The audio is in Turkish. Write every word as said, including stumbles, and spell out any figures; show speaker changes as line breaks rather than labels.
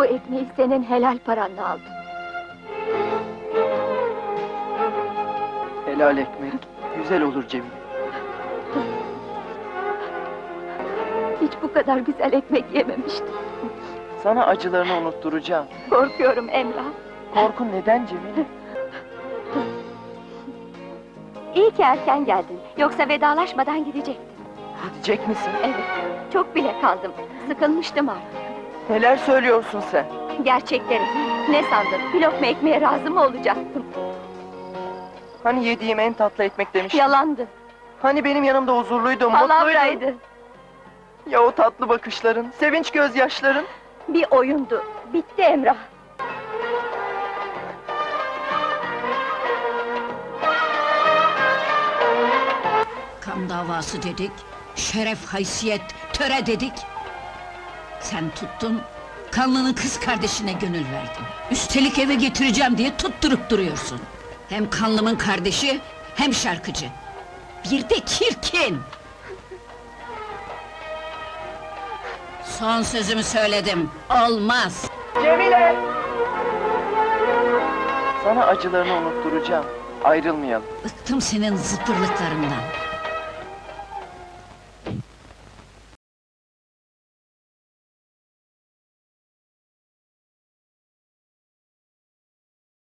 Bu ekmeği senin helal paranla aldım.
Helal ekmek, güzel olur Cemile.
Hiç bu kadar güzel ekmek yememiştim.
Sana acılarını unutturacağım.
Korkuyorum Emrah.
Korkun neden Cemile?
İyi ki erken geldin. Yoksa vedalaşmadan gidecektim.
Gidecek misin?
Evet, çok bile kaldım. Sıkılmıştım artık.
Neler söylüyorsun sen?
Gerçekleri. Ne sandın? Bir lokma ekmeğe razı mı olacaktım?
Hani yediğim en tatlı ekmek demiştin?
Yalandı.
Hani benim yanımda huzurluydun, mutluydun?
Palavraydı.
Ya o tatlı bakışların, sevinç gözyaşların?
Bir oyundu. Bitti Emrah.
Kan davası dedik, şeref, haysiyet, töre dedik. Sen tuttun, kanlının kız kardeşine gönül verdin. Üstelik eve getireceğim diye tutturup duruyorsun. Hem kanlımın kardeşi, hem şarkıcı. Bir de çirkin! Son sözümü söyledim, olmaz!
Cemile! Sana acılarını unutturacağım, ayrılmayalım.
Bıktım senin zıpırlıklarından.